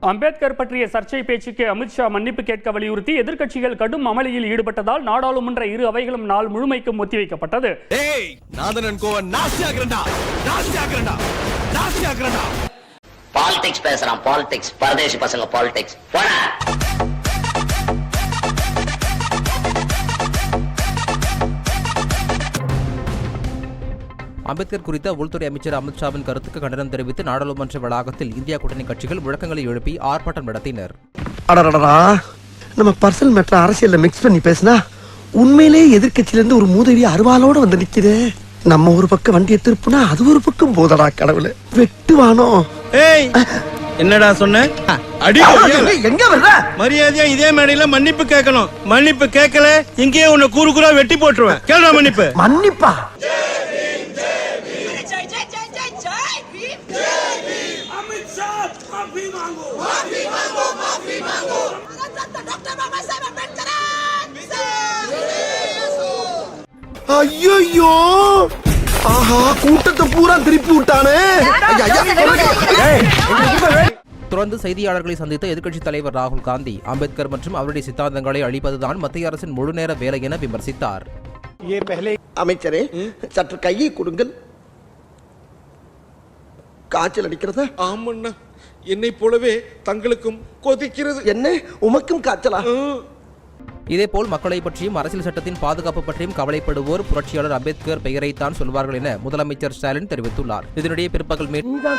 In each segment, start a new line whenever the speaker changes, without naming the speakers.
அம்பேத்கர் பற்றிய சர்ச்சை பேச்சுக்கு அமித்ஷா மன்னிப்பு கேட்க வலியுறுத்தி எதிர்க்கட்சிகள் கடும் அமளியில் ஈடுபட்டதால் நாடாளுமன்ற இரு அவைகளும் நாள் முழுமைக்கும் ஒத்திவைக்கப்பட்டது.
பாலிடிக்ஸ் பேசுறான், பாலிடிக்ஸ், பரதேசி பசங்க பாலிடிக்ஸ்.
அம்பேத்கர் குறித்த உள்துறை அமைச்சர் அமித்ஷாவின் கருத்துக்கு கண்டனம் தெரிவித்து நாடாளுமன்ற வளாகத்தில் இந்தியா கூட்டணி கட்சிகள் முழக்கங்களை எழுப்பி ஆர்ப்பாட்டம் நடத்தினர்.
நம்ம பர்சனல் மேட்டர் அரசியல்ல மிக்ஸ் பண்ணி பேசினா உண்மையிலேயே எதிர்கட்சியில இருந்து ஒரு மூதேவி அருவாளோட வந்து நிக்குது. நம்ம ஒரு பக்கம் வண்டியை திருப்புனா அது ஒரு பக்கம் போதடா கடவுளே, வெட்டுவானோ.
என்னடா சொன்ன?
எங்க வர்ற?
மரியாதையா இதே மேடையில மன்னிப்பு கேட்கணும். மன்னிப்பு கேட்கல இங்கேயே உன்னை கூறு கூறா வெட்டி போட்டுருவேன். கேளுடா மன்னிப்பு.
மன்னிப்பா? ஐயோ, ஆஹா, கூட்டத்தை பூரா திருப்பி விட்டானே.
தொடர்ந்து செய்தியாளர்களை சந்தித்த எதிர்க்கட்சித் தலைவர் ராகுல் காந்தி அம்பேத்கர் மற்றும் அவருடைய சித்தாந்தங்களை அழிப்பதுதான் மத்திய அரசின் முழுநேர வேலை என விமர்சித்தார்.
அமைச்சரே, சற்று கையை கொடுங்கள். காய்ச்சல் அடிக்கிறதா?
ஆமண்ணா, என்னை போலவே தங்களுக்கும் கொதிக்கிறது.
என்ன, உமக்கும் காய்ச்சலா?
இதேபோல் மக்களை பற்றியும் அரசியல் சட்டத்தின் பாதுகாப்பு பற்றியும் கவலைப்படுவோர் புரட்சியாளர் அம்பேத்கர் பெயரைத்தான் சொல்வார்கள் என முதலமைச்சர் ஸ்டாலின் தெரிவித்துள்ளார். இதனிடையே பிற்பகல்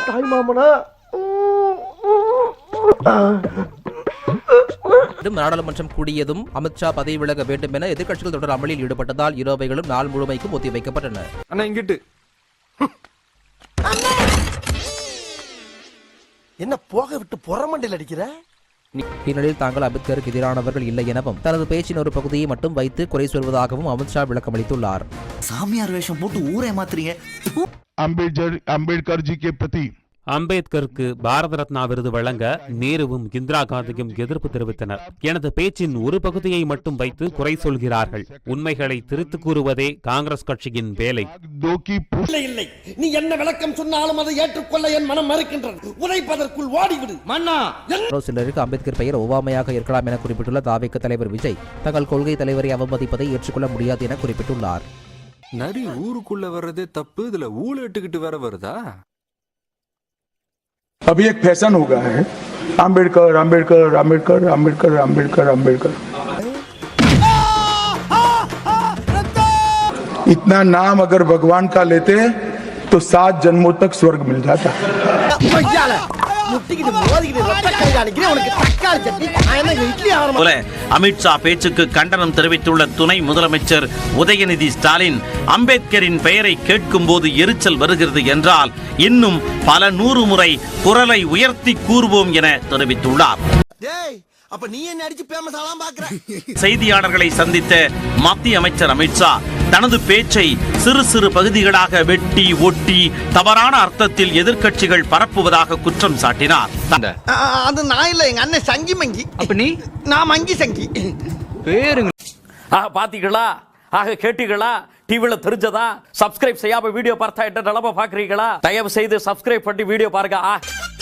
நாடாளுமன்றம் கூடியதும் அமித்ஷா பதவி விலக வேண்டும் என எதிர்க்கட்சிகள் தொடர் அமளியில் ஈடுபட்டதால் இரு அவைகளும் நாள் முழுமைக்கும் ஒத்திவைக்கப்பட்டன.
என்ன போக விட்டு புறமண்டில் அடிக்கிற?
இந்நிலையில் தாங்கள் அம்பேத்கருக்கு எதிரானவர்கள் இல்லை எனவும் தனது பேச்சின் ஒரு பகுதியை மட்டும் வைத்து குறை சொல்வதாகவும் அமித்ஷா விளக்கமளித்துள்ளார்.
சாமியார் வேஷம் போட்டு ஊரை மாத்துறீங்க.
அம்பேத்கர் ஜி கே பிரதி
அம்பேத்கருக்கு பாரத ரத்னா விருது வழங்க நேருவும் இந்திரா காந்தியும் எதிர்ப்பு தெரிவித்தனர். எனது பேச்சின் ஒரு பகுதியை மட்டும் வைத்து குறை சொல்கிறார்கள். உண்மைகளை திரித்து கூறுவதே காங்கிரஸ் கட்சியின் வேலை.
இல்லை, நீ என்ன விளக்கம் சொன்னாலும் அதை ஏற்றுக்கொள்ள என் மனம் மறுக்கின்றது. உரைப்பதற்குள் ஓடிவிடு மன்னா.
சிலருக்கு அம்பேத்கர் பெயர் ஒவ்வாமையாக இருக்கலாம் என குறிப்பிட்டுள்ள தாவேக தலைவர் விஜய் தங்கள் கொள்கை தலைவரை அவமதிப்பதை ஏற்றுக்கொள்ள முடியாது என குறிப்பிட்டுள்ளார்.
நரி ஊருக்குள்ள வர்றதே தப்பு, இதுல ஊழ இட்டுக்கிட்டு வேற வருதா?
अभी एक फैशन हो गया है, अम्बेडकर अम्बेडकर अम्बेडकर अम्बेडकर अम्बेडकर अम्बेडकर। इतना नाम अगर भगवान का लेते तो 7 जन्मों तक स्वर्ग मिल जाता।
அமித்ஷா பேச்சுக்கு கண்டனம் தெரிவித்துள்ள துணை முதலமைச்சர் உதயநிதி ஸ்டாலின் அம்பேத்கரின் பெயரை கேட்கும் போது எரிச்சல் வருகிறது என்றால் இன்னும் பல 100 முறை குரலை உயர்த்தி கூறுவோம் என தெரிவித்துள்ளார். செய்தியாளர்களை சந்தித்த மத்திய அமைச்சர் அமித்ஷா தனது பேச்சை சிறு சிறு பகுதிகளாக வெட்டி ஒட்டி தவறான அர்த்தத்தில் எதிர்க்கட்சிகள் பரப்புவதாக குற்றம் சாட்டினார்.
அது நான் இல்ல, எங்க அண்ணன் சங்கி மங்கி.
அப்ப நீ?
நான் மங்கி சங்கி.
பேருங்க.
பாத்தீங்களா? ஆக கேட்டீங்களா? டிவில தெரிஞ்சதா? சப்ஸ்கிரைப் செய்யாம வீடியோ பார்த்தா என்ன நிலைமை பாக்குறீங்களா? தயவு செய்து சப்ஸ்கிரைப் பண்ணி வீடியோ பாருங்க.